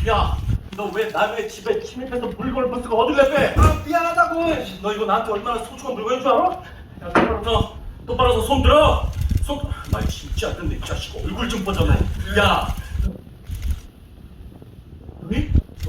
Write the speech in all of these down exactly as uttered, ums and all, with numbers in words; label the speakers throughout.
Speaker 1: 야, 너 왜 남의 집에 침입해서 물건을 부수고 어딜 내빼?
Speaker 2: 아, 미안하다고.
Speaker 1: 너 이거 나한테 얼마나 소중한 물건인 줄 알아? 야, 똑바로 서, 똑바로 서 손 들어. 손. 말 진짜 안 듣네, 이 자식. 얼굴 좀 보자고. 야, 왜?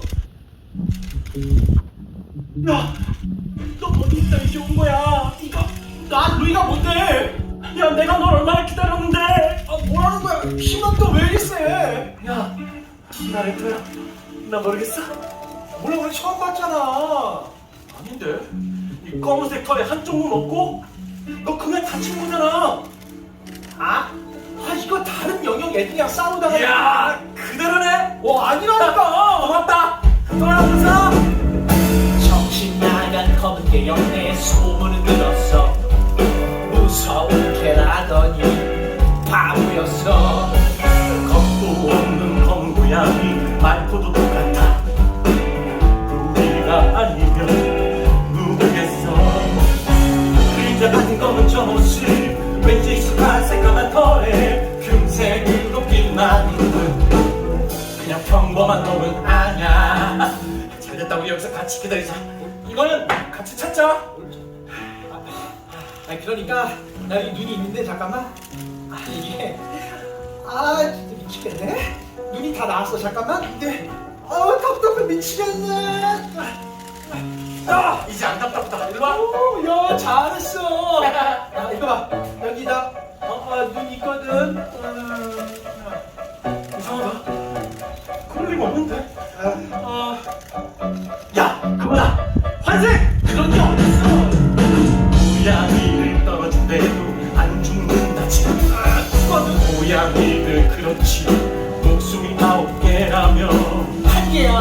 Speaker 1: 야, 너 어디 있다 이제 온 거야? 이거 나 루이가 뭔데? 야, 내가 널 얼마나 기다렸는데?
Speaker 2: 아, 뭐라는 거야? 힘은 또 왜 이리 세?
Speaker 1: 야, 나 래퍼야. 나 모르겠어?
Speaker 2: 몰라, 우리 처음 봤잖아.
Speaker 1: 아닌데? 이 검은색 털에 한쪽 눈 없고? 너 그냥 다친 거잖아.
Speaker 2: 아? 아, 이거 다른 영역 애들이랑 싸우다가.
Speaker 1: 야, 그대로네.
Speaker 2: 어, 아니라니까.
Speaker 1: 고맙다. 돌아오면서.
Speaker 3: 정신 나간 검은 게 영내에 소문을 들었어. 무서운 개라더니 바보였어.
Speaker 1: 겁도 없는 검은 고양이 말투도 똑같아. 우리가 아니면 누구겠어. 그림자 같은 검은 저 모습 왠지 익숙한 새까만 털에 금색으로 빛나는 듯. 그냥 평범한 놈은 아냐. 잘됐다, 우리 여기서 같이 기다리자. 이거는 같이 찾자.
Speaker 2: 아니, 그러니까 나 여기 눈이 있는데 잠깐만. 아, 이게 아, 진짜 미치겠네. 눈이 다 나왔어. 잠깐만. 근데 아, 답답해 미치겠네.
Speaker 1: 야, 이제 안 답답하다. 일로 와.
Speaker 2: 오, 야, 잘했어. 아, 이거 봐. 여기다 어, 어, 눈 있거든. 음,
Speaker 1: 이상하다. 그럴 리가 없는데.
Speaker 2: 아,
Speaker 1: 아, 야, 그거다. 환생. 그런 게 어딨어. 고양이를 떨어준대도 안 죽는다지. 아, 그거는 고양이들 그렇지. 목숨이 아홉 개라며.
Speaker 2: 한 개야.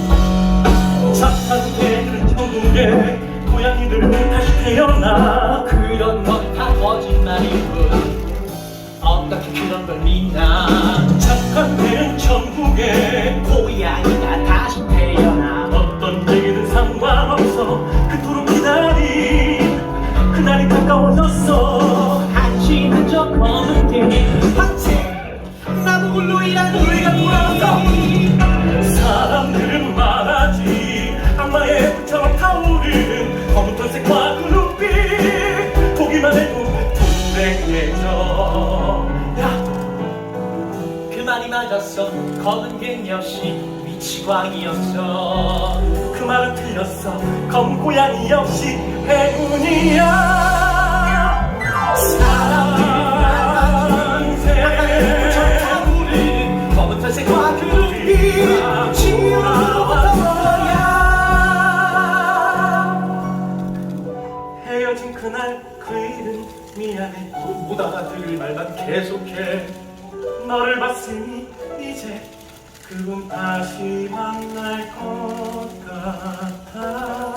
Speaker 1: 착한 개들은 천국에, 고양이들은 다시 태어나.
Speaker 3: 그런 건 다 거짓말일 뿐. 어떻게 그런 걸 믿나.
Speaker 1: 착한 개는 천국에,
Speaker 3: 고양이가 다시 태어나.
Speaker 1: 어떤 얘기든 상관없어. 그토록 기다린 그날이 가까워졌어.
Speaker 3: 한심한 저 검은 개
Speaker 2: 한채 나보고 루이란
Speaker 1: 루이가 돌아왔다. 사람들은 말하지, 악마의 불처럼 타오르는 검은 털색과 그 눈빛 보기만 해도 불행해져. 야,
Speaker 3: 그 말이 맞았어. 검은 개 역시 위치광이었어.
Speaker 1: 그 말은 틀렸어. 검은 고양이 역시 행운이야. 사랑새
Speaker 3: 검은 털색과 그 눈빛
Speaker 2: 지우로부터 거야.
Speaker 1: 헤어진 그날 그 일은 미안해.
Speaker 2: 못 알아들을 말만 계속해.
Speaker 1: 너를 봤으니 이제 그분 다시 만날 것 같아.